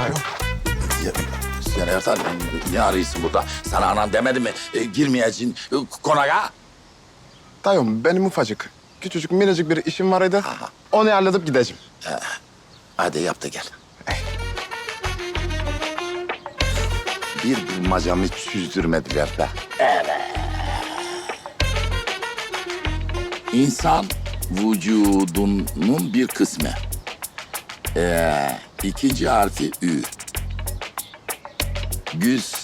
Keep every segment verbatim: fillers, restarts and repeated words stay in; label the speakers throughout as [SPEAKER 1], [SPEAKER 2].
[SPEAKER 1] Dayım.
[SPEAKER 2] Ya, sen Ertan ne arıyorsun burada? Sana anan demedi mi? E, girmeyeceksin e, konağa.
[SPEAKER 1] Dayım benim ufacık, küçücük minicik bir işim var idi. Onu halledip gideceğim.
[SPEAKER 2] Hadi yap da gel. Bir bulmacamı hiç süzdürmediler be. Evet. İnsan vücudunun bir kısmı. Ee, ikinci harfi Ü. Güz.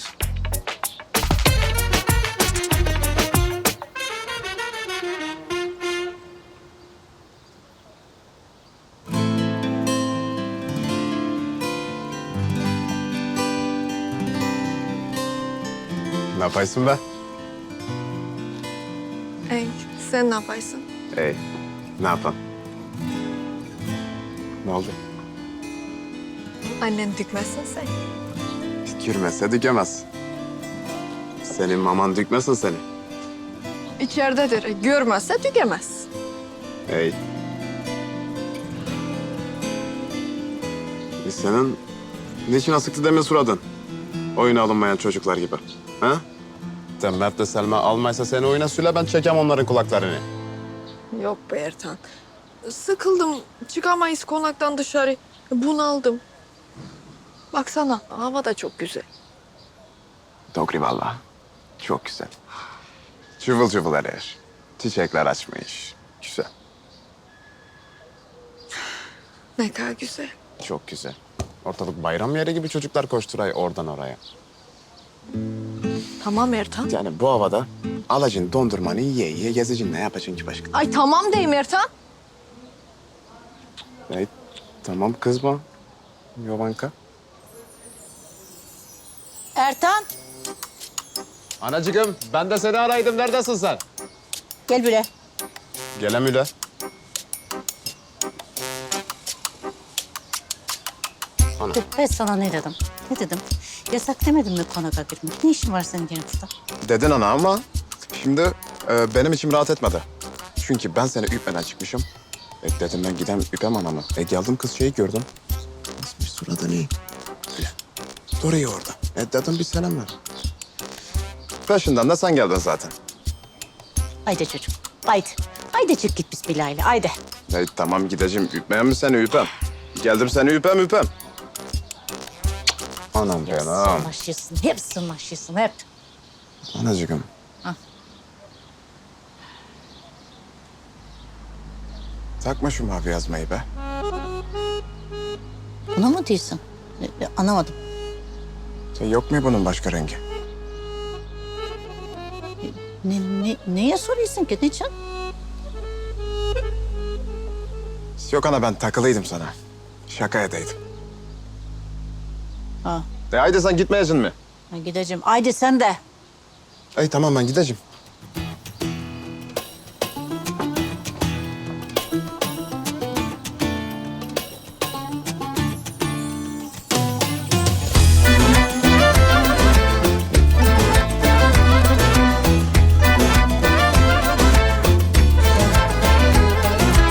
[SPEAKER 1] Ne yapaysın be?
[SPEAKER 3] Ey, sen ne yaparsın?
[SPEAKER 1] Ey, ne yapan? Ne oldu?
[SPEAKER 3] Annen dikmezsin sen.
[SPEAKER 1] Dikürmezse dikemez. Senin maman dikmesin seni.
[SPEAKER 3] İçeridedir. Görmezse tükemez.
[SPEAKER 1] Ey. Biz senin niçin asıktı demin suradın? Oyuna alınmayan çocuklar gibi. Ha? Sen Mert'le Selma almaysa seni oyuna süle, ben çekem onların kulaklarını.
[SPEAKER 3] Yok be Ertan. Sıkıldım. Çıkamayız konaktan dışarı. Bunaldım. Baksana hava da çok güzel.
[SPEAKER 1] Doğru vallahi. Çok güzel. Cıvıl cıvıl erer. Çiçekler açmış. Güzel.
[SPEAKER 3] Ne kadar güzel.
[SPEAKER 1] Çok güzel. Ortalık bayram yeri gibi çocuklar koşturay oradan oraya.
[SPEAKER 3] Tamam Ertan.
[SPEAKER 1] Yani bu havada alacın dondurmanı yiye yiye gezeceksin. Ne yapacaksın ki başka?
[SPEAKER 3] Ay tamam deyim Ertan.
[SPEAKER 1] Ey, tamam kızma. Yovanka.
[SPEAKER 4] Ertan,
[SPEAKER 1] Anacığım ben de seni araydım. Neredesin sen?
[SPEAKER 4] gel buraya.
[SPEAKER 1] Gelem üle. Ana.
[SPEAKER 4] Dur, ben sana ne dedim? Ne dedim? Yasak demedim mi konağa girmek? Ne işin var senin gene burada?
[SPEAKER 1] Dedin ana ama şimdi e, benim içim rahat etmedi. Çünkü ben seni üpmeden çıkmışım. E, dedim ben gidem üpem anamı. E geldim kız şeyi gördüm. Nasıl bir suratı ne? Öyle. Duruyor orada. E dedim bir selam ver. Peşinden de sen geldin zaten.
[SPEAKER 4] Haydi çocuk, haydi. Haydi çık git biz Bilal'le, haydi.
[SPEAKER 1] E, tamam gideceğim. Üpmeyen mi seni üpem? Geldim seni üpem üpem. Anam benim.
[SPEAKER 4] Sırnaşıyorsun, hep sırnaşıyorsun, hep.
[SPEAKER 1] Anacığım.
[SPEAKER 4] Hah.
[SPEAKER 1] Takma şu mavi yazmayı be.
[SPEAKER 4] Buna mı diyorsun? E, e, Anlamadım.
[SPEAKER 1] Sen yok mu bunun başka rengi?
[SPEAKER 4] Ne, ne, neye soruyorsun ki, niçin?
[SPEAKER 1] Yok ana ben takılıydım sana. Şaka edeydim.
[SPEAKER 4] Ha,
[SPEAKER 1] E haydi sen gitmeyeceksin mi?
[SPEAKER 4] ben gideceğim. Haydi sen de.
[SPEAKER 1] Ey tamam ben gideceğim.